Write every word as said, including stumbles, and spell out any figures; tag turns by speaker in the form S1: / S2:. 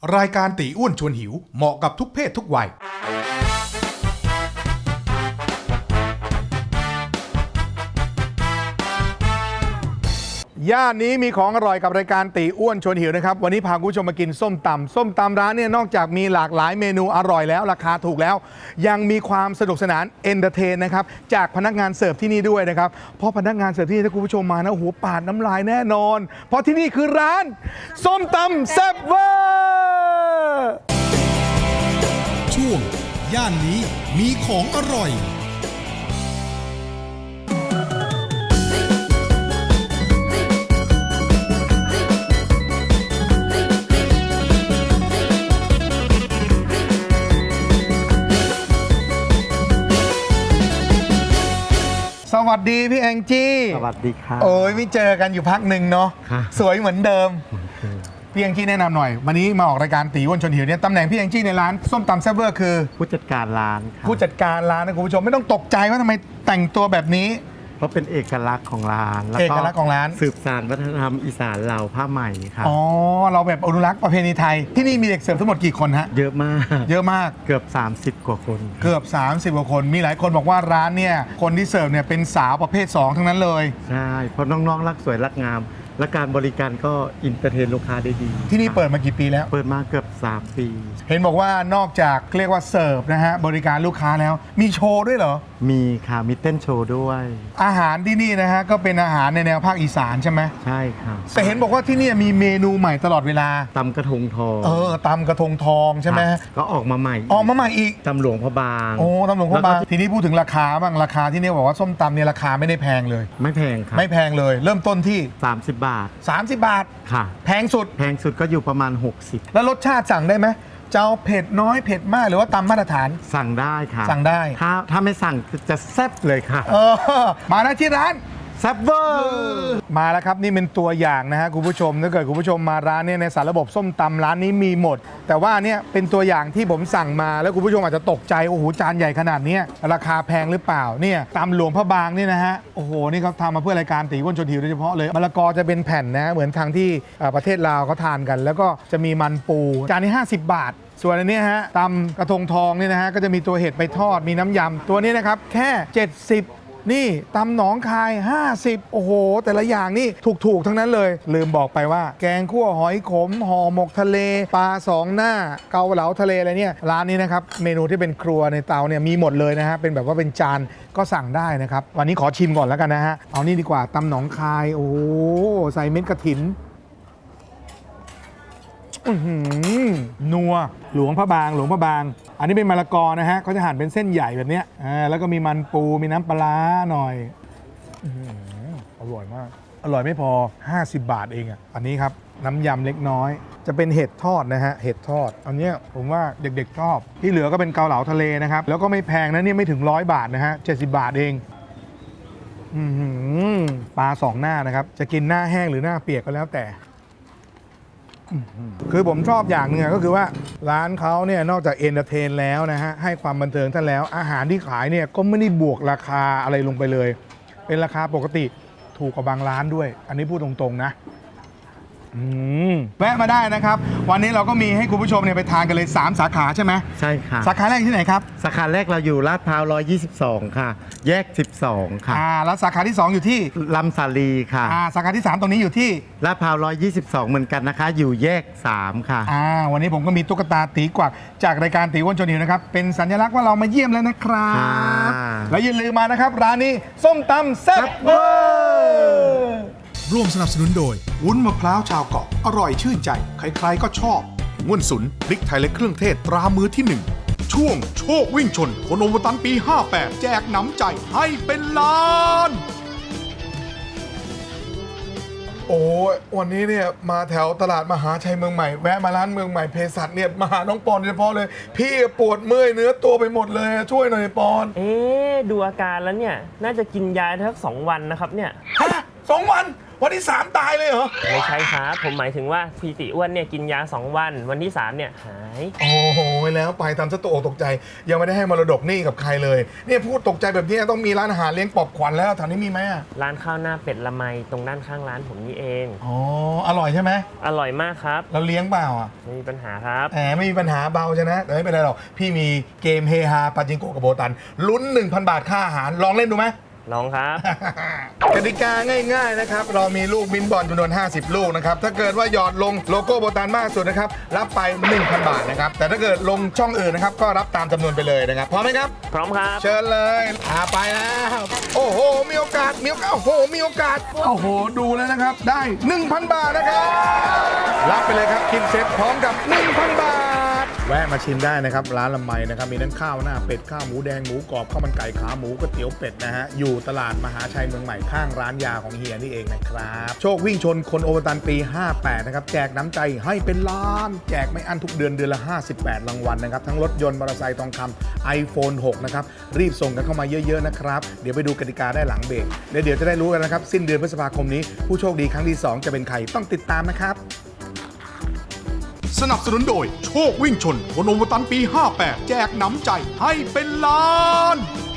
S1: รายการตีอ้วนชวนหิวเหมาะกับทุกเพศทุกวัยย่านนี้มีของอร่อยกับรายการตีอ้วนชวนหิวนะครับวันนี้พาคุณผู้ชมมากินส้มตำส้มตำร้านเนี่ยนอกจากมีหลากหลายเมนูอร่อยแล้วราคาถูกแล้ว ยังมีความสนุกสนานเอนเตอร์เทนนะครับจากพนักงานเสิร์ฟที่นี่ด้วยนะครับเพราะพนักงานเสิร์ฟที่นี่ถ้าคุณผู้ชมมานะโอ้โหปาดน้ำลายแน่นอน เพราะที่นี่คือร้านส้มตำแซ่บเวอร์
S2: ช่วงย่านนี้มีของอร่อย
S1: สวัสดีพี่แองจี้
S3: สวัสดีครับ
S1: โอ้ยไม่เจอกันอยู่พักหนึ่งเนาะ
S3: ครับ
S1: สวยเหมือนเดิมพี่แองจี้แนะนำหน่อยวันนี้มาออกรายการตีอ้วนชวนหิวเนี่ยตำแหน่งพี่แองจี้ในร้านส้มตำแซ่บเวอร์คือ
S3: ผู้จัดการร้านครับ
S1: ผู้จัดการร้านนะคุณผู้ชมไม่ต้องตกใจว่าทำไมแต่งตัวแบบนี้
S3: เพราะเป็นเอกลักษณ์ของร้านแล้ว
S1: เอกลักษณ์ของร้าน
S3: สืบสานวัฒนธรรมอีสานเราผ้าไหมครับ
S1: อ๋อเราแบบอนุรักษ์ประเพณีไทยที่นี่มีเด็กเสิร์ฟทั้งหมดกี่คนฮะ
S3: เยอะมาก
S1: เยอะมาก
S3: เกือบสามสิบกว่าคน
S1: เกือบสามสิบกว่าคนมีหลายคนบอกว่าร้านเนี่ยคนที่เสิร์ฟเนี่ยเป็นสาวประเภทสองทั้งนั้นเลย
S3: ใช่เพราะน้องๆรักสวยรักงาม และการบริการก็อินเตอร์เทนลูกค้าได้ดี
S1: ที่นี่เปิดมากี่ปีแล้ว
S3: เปิดมาเกือบสามปี
S1: เห็นบอกว่านอกจากเรียกว่าเสิร์ฟนะฮะบริการลูกค้าแล้วมีโชว์ด้วยเหรอ
S3: มีค่ะมีเต้นโชว์ด้วย
S1: อาหารที่นี่นะฮะก็เป็นอาหารในแนวภาคอีสานใช่ไหม
S3: ใช่ครับ
S1: แต่เห็นบอกว่าที่นี่มีเมนูใหม่ตลอดเวลา
S3: ตำกระทงทอง
S1: เออตำกระทงทองใช่ไหม
S3: ครับก็ออกมาใหม่
S1: ออกมาใหม่อีก
S3: ตำหลวงพระบาง
S1: โอ้ตำหลวงพระบาง
S3: แล้ก็
S1: ทีนี้พูดถึงราคาบ้างราคาที่นี่บอกว่าส้มตำเนี่ยราคาไม่ได้แพงเลย
S3: ไม่แพงครับ
S1: ไม่แพงเลย เริ่มต้นที่
S3: สามสิบบาท
S1: สามสิบบาท
S3: ค่ะ
S1: แพงสุด
S3: แพงสุดก็อยู่ประมาณหกสิบ
S1: แล้วรสชาติสั่งได้ไหมจะเอาเผ็ดน้อยเผ็ดมากหรือว่าตามมาตรฐาน
S3: สั่งได้ค่ะ
S1: สั่งได้
S3: ถ้าถ้าไม่สั่งจะแซ่บเลยค่ะ
S1: เออมาได้ที่ร้าน
S3: แซ่บเวอร์
S1: มาแล้วครับนี่เป็นตัวอย่างนะฮะคุณผู้ชมถ้าเกิดคุณผู้ชมมาร้านเนี่ยในสารระบบส้มตำร้านนี้มีหมด แต่ว่าเนี่ยเป็นตัวอย่างที่ผมสั่งมาแล้วคุณผู้ชมอาจจะตกใจโอ้โหจานใหญ่ขนาดเนี้ยราคาแพงหรือเปล่าเนี่ยตำหลวงพระบางนี่นะฮะโอ้โหนี่เขาทำมาเพื่อรายการตีอ้วนชวนหิวโดยเฉพาะเลยมะละกอจะเป็นแผ่นนะเหมือนทางที่เอ่อประเทศลาวเขาทานกัน แล้วก็จะมีมันปูจานนี้ห้าสิบบาท ส่วนอันนี้ฮะตำกระทงทองนี่นะฮะก็จะมีตัวเห็ดไปทอดมีน้ำยำตัวนี้นะครับแค่เจ็ดสิบนี่ตำหนองคายห้าสิบโอ้โหแต่ละอย่างนี่ถูกๆทั้งนั้นเลยลืมบอกไปว่าแกงคั่วหอยขมห่อหมกทะเลปลาสองหน้าเกาเหลาทะเลอะไรเนี่ยร้านนี้นะครับเมนูที่เป็นครัวในเตาเนี่ยมีหมดเลยนะฮะเป็นแบบว่าเป็นจานก็สั่งได้นะครับวันนี้ขอชิมก่อนแล้วกันนะฮะเอานี่ดีกว่าตำหนองคายโอ้โหใส่เม็ดกระถินอื้อหือนัวหลวงพระบางหลวงพระบาง อันนี้เป็นมะละกอนะฮะเขาจะหั่นเป็นเส้นใหญ่แบบเนี้ยอ่าแล้วก็มีมันปูมีน้ำปลาร้าหน่อยอื้อหืออร่อยมาก อร่อยไม่พอห้าสิบบาทเองอ่ะอันนี้ครับน้ำยำเล็กน้อย จะเป็นเห็ดทอดนะฮะเห็ดทอดอันเนี้ยผมว่าเด็กๆชอบที่เหลือก็เป็นเกาเหลาทะเลนะครับแล้วก็ไม่แพงนะเนี่ยไม่ถึงร้อยบาทนะฮะเจ็ดสิบบาทเองอื้อหือปลาสองหน้านะครับจะกินหน้าแห้งหรือหน้าเปียกก็แล้วแต่คือผมชอบอย่างหนึงก็คือว่าร้านเขาเนี่ยนอกจากเอนเตอร์เทนแล้วนะฮะให้ความบันเทิงท่านแล้วอาหารที่ขายเนี่ยก็ไม่ได้บวกราคาอะไรลงไปเลย เป็นราคาปกติถูกกว่าบางร้านด้วย อันนี้พูดตรงๆนะอืมแวะมาได้นะครับวันนี้เราก็มีให้คุณผู้ชมเนี่ยไปทานกันเลยสามสาขาใช่ไหม
S3: ใช่ค่ะ
S1: สาขาแรกที่ไหนครับ
S3: สาขาแรกเราอยู่ลาดพร้าวหนึ่งร้อยยี่สิบสองค่ะ แยกสิบสองค่ะ
S1: อ่าแล้วสาขาที่สองอยู่ที่
S3: ลำสาลีค่ะ
S1: อ่าสาขาที่สามตรงนี้อยู่ที่
S3: ลาดพร้าวหนึ่งร้อยยี่สิบสองเหมือนกันนะคะ อยู่แยกสามค่ะ
S1: อ่าวันนี้ผมก็มีตุ๊กตาตีกวักจากรายการตีอ้วนชวนหิวนะครับเป็นสัญลักษณ์ว่าเรามาเยี่ยมแล้วนะครับ
S3: ค่ะ
S1: แล้วอย่าลืมมานะครับร้านนี้ส้มตำแซ่บเวอร์
S2: ร่วมสนับสนุนโดย
S1: วุ้นมะพร้าวชาวเกาะอร่อยชื่นใจ ใครๆก็ชอบง่วนสุนพริกไทยและเครื่องเทศตรามือที่หนึ่งช่วงโชควิ่งชนคนโอมตันปีห้าแปดแจกหนำใจให้เป็นล้านโอ้ยวันนี้เนี่ยมาแถวตลาดมหาชัยเมืองใหม่แวะมาร้านเมืองใหม่เภสัชเนี่ยมาหาน้องปอนโดยเฉพาะเลยพี่ปวดเมื่อยเนื้อตัวไปหมดเลยช่วยหน่อยปอน
S4: เอ๊ะดูอาการแล้วเนี่ยน่าจะกินยาทั้งสองวันนะครับเนี่ย
S1: ฮะสองวันวันที่สามตายเลยเหรอ
S4: ไม่ใช่ครับ ผมหมายถึงว่าพี่ติอ้วนเนี่ยกินยาสองวันวันที่สามเนี่ยหาย
S1: โอ้โหแล้วไปทำซะตกอกตกใจ ยังไม่ได้ให้มรดกหนี่กับใครเลยเนี่ยพูดตกใจแบบนี้ต้องมีร้านอาหารเลี้ยงปอบขวัญแล้วแถวนี้มีไหมอะ
S4: ร้านข้าวหน้าเป็ดละไมตรงด้านข้างร้านผมนี่เอง
S1: อ๋ออร่อยใช่ไหม
S4: อร่อยมากครับ
S1: เราเลี้ยงเปล่าอ่ะ
S4: ไม่มีปัญหาครับ
S1: แหมไม่มีปัญหาเบาใช่นะแต่ไม่เป็นไรหรอกพี่มีเกมเฮฮาปาจิงโกะกับโบตันลุ้น หนึ่งพัน บาทค่าอาหารลองเล่นดูไหม
S4: ลองครับ
S1: กติกาง่ายๆนะครับ เรามีลูกบินบอลจำนวนห้าสิบลูกนะครับ ถ้าเกิดว่าหยอดลงโลโก้โบตันมากสุดนะครับ รับไป หนึ่งพัน บาทนะครับ แต่ถ้าเกิดลงช่องอื่นนะครับ ก็รับตามจำนวนไปเลยนะครับ พร้อมไหมครับ
S4: พร้อมครับ
S1: เชิญเลยอาไปแล้ว โอ้โห มีโอกาส มีโอกาส โอ้โห มีโอกาส โอ้โห ดูแล้วนะครับ ได้ หนึ่งพัน บาทนะครับ รับไปเลยครับกินเซ็ตพร้อมกับ หนึ่งพัน บาท แวะมาชิมได้นะครับ ร้านละไมนะครับ มีทั้งข้าวหน้าเป็ด ข้าวหมูแดง หมูกรอบ ข้าวมันไก่ ขาหมูก๋วยเตี๋ยวเป็ดนะฮะ อยู่ตลาดมหาชัยเมืองใหม่ข้างร้านยาของเฮียนี่เองนะครับ โชควิ่งชนคนโอเวอร์ตันปี ห้าแปด นะครับ แจกน้ำใจให้เป็นล้าน แจกไม่อั้นทุกเดือนเดือนละ ห้าสิบแปด รางวัลนะครับ ทั้งรถยนต์ มอเตอร์ไซค์ทองคำ ไอโฟน หก นะครับ รีบส่งกันเข้ามาเยอะๆนะครับ เดี๋ยวไปดูกติกาได้หลังเบรกแล้วเดี๋ยวจะได้รู้กันนะครับ สิ้นเดือนพฤษภาคมนี้ผู้โชคดีครั้งที่สองจะเป็นใครต้องติดตามนะครับ
S2: สนับสนุนโดยโชควิ่งชนคนโอวตันปี ห้าแปด แจกหนำใจให้เป็นล้าน